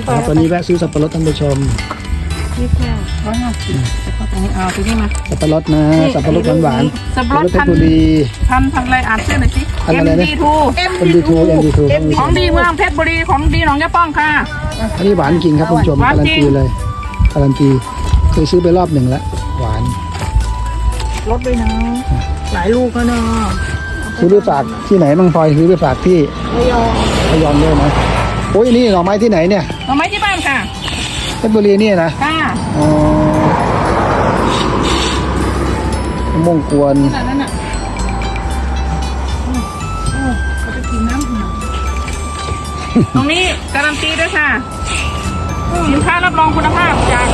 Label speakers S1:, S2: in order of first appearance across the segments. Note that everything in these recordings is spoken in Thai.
S1: ตอนนี้แวะซื้อสับปะรดท่านผู้ชม
S2: นี่แค่150แล้วก็ตรงนี้เอาที่นี่มา
S1: สับปะรดนะสับปะรดหวาน
S2: สับปะรด
S1: เพชรบุรี
S2: พันอะไรอ่านชื่อหน่อยสิ
S1: พันอะไรนะ
S2: MD2
S1: MD2
S2: ของดีเมืองเพชรบุรีของดีหนองยะป้องค่ะ
S1: อันนี้หวานจริงครับท่านผู้ชม
S2: หวาน
S1: การัน
S2: จริง
S1: ตีเลยการันตีเคยซื้อไปรอบหนึ่งแล้วหวาน
S2: ลดด้วยนะหลายลูกแล้วเนาะ
S1: ซื้อไปฝากที่ไหนบ้างพลอยซื้อไปฝากที่
S2: ระยอง
S1: ระยองด้วยนะโอ้ยนี่หน่อไม้ที่ไหนเนี่ย
S2: เอาไม้ที่บ้านค่ะ
S1: เพชรบุรีเนี่ยนะ
S2: ค่ะ
S1: อ๋อมะม่วงกวน
S2: ขนาดนั้นอ่ะเขาจะกินน้ำตรงนี้การันตีด้วยค่ะสินค้ารับรองคุณภาพจาก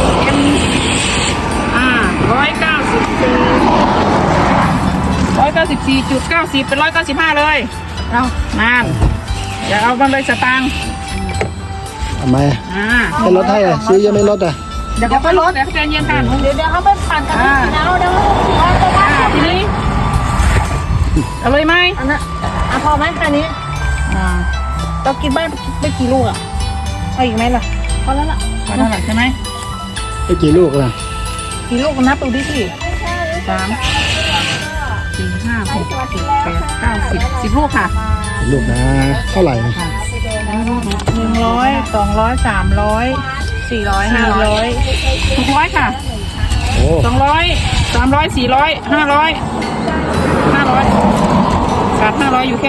S2: 194.90เป็น195เลยเอานานอย่าเอามันเลยสตางค์
S1: ทำไมไม่ลดให้อ่ะซื้อยังไม่ลดอ่ะ
S2: เดี๋ยวก็ลดเดี๋ยวใจเย็นค่ะ
S3: เดี๋ยวเขาไปปั่นกันที่แล้วเดี๋ยวเอาไปบ้าน
S2: ทีนี้เอาเลยไหม
S3: อันนั้นพอไหมแค่นี้เรากินบ้านไปกี่ลูกอ่ะเอาอีกไหมล่ะพอแล้วล่ะ
S2: พอเท่าไหร่ใช่ไหม
S1: ไปกี่ลูกล่ะ
S3: กี่ลูกนับดูดิสิ
S2: 3 4 5 6 7 8 9 10 10 ลูกค่ะ
S1: ลูกนะเท่าไหร่นะ
S3: 100 200 300 400 500
S2: 600ค่ะ
S1: โอ้
S2: 200 300 400 500 ขาด500อยู่แค่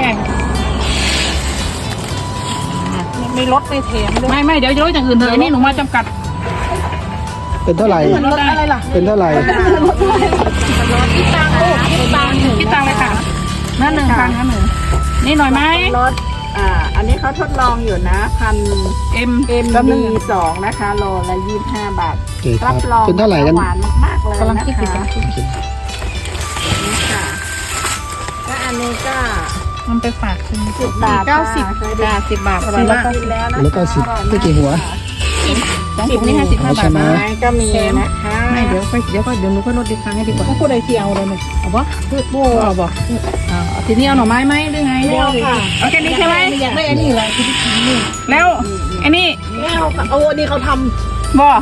S3: ไม่ลดไม่เทมด้วย
S2: ไม่เดี๋ยวจะลดอย่างอื่นเถอะนี่หนูมาจำกัด
S1: เป็นเท่าไหร่
S3: ลดอะไรล่ะ
S1: เป็นเท่าไหร่
S3: คิดตังค์ลูกคิดตังค์
S2: คิดตังค์เลยค่ะนั่น1,000นั่นหนึ่งนี่หน่อยไหม
S4: รถอันนี้เขาทดลองอยู่นะ
S2: M
S4: MD2 นะคะโลละ25 บาท
S1: โอเคครั
S4: รั
S1: บบ
S4: รอง
S1: เป็นเท่าไหร่กัน
S4: หวานมากๆเลย
S2: กำลัง
S4: นะ
S2: คิดอยู่
S4: คะนี่ค่ะก็อันนี้ก็
S2: มันไปฝากคุณ
S4: 10 บาท
S2: 90
S4: เคยได้
S2: 10 บาท
S4: อร่อยมากกินแล้วนะ
S1: แล้วก็สิบไม่กี่หัว
S2: 2 ถุงนี่55 บาท
S1: ใช่ไหม
S2: นะ
S4: ไม้ก็มีนะคะ
S2: ไม่เดี๋ยวหนูค่อยลดดีครั้งให้ดีกว่า
S3: ถ้าพูดอะไรที่เอาเลยเนี่ย
S2: เอาบ่เอาบ่เอาทีนี้เอาหน่อไม้ไหมหรือไง
S3: ไม่เอาค่ะ
S2: เอาแค่นี้ใช่ไหม
S3: อยากได้อันนี้เลยคือที่กินนี่
S2: แล้วไอ้นี่
S3: ไม่เอาค่ะเอาอันนี้เขาทำ
S2: บ่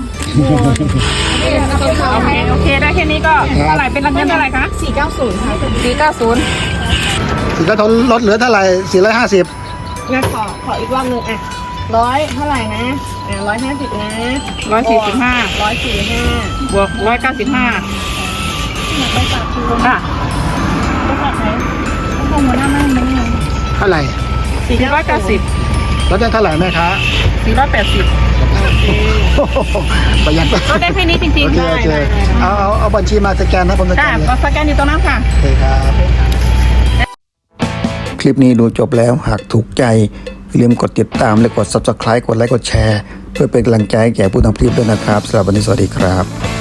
S3: เขาท
S2: โอเคได้แค่นี้ก็เท่าไหร่เป็นเงินเท่าไหร่คะ
S3: ำ490ค่ะ
S2: 490
S1: สิก็ทนลดเหลือเท่าไหร่450
S3: งั้นขออีกรอบหนึ่งอ่ะ100เท่าไหร่นะ150นะ
S2: 145
S3: 145
S2: บวก195
S3: ไปฝากคุณ
S2: ค่ะ
S3: ไปฝากไหนต้องลงหัวหน้าแม่ไม่เลย
S1: เท่าไหร่
S2: 490
S1: ลดได้เท่าไหร่แม่ค้า
S2: 480
S1: โอ้โหประหยัด
S2: ก็ได้แค่นี้จริง
S1: โอ
S2: ๆ
S1: เคโอเคเอาบัญชีมาสแกนนะผมสแก
S2: ค่ะ
S1: นเลย
S2: ก็สแกนอยู่ตรงนั้นค่ะ
S1: โอเคครับ คลิปนี้ดูจบแล้วหากถูกใจอย่าลืมกดติดตามและกด Subscribe กดไลค์กดแชร์ เพื่อเป็นกำลังใจให้แก่ผู้ทำคลิปด้วยนะครับสำหรับวันนี้สวัสดีครับ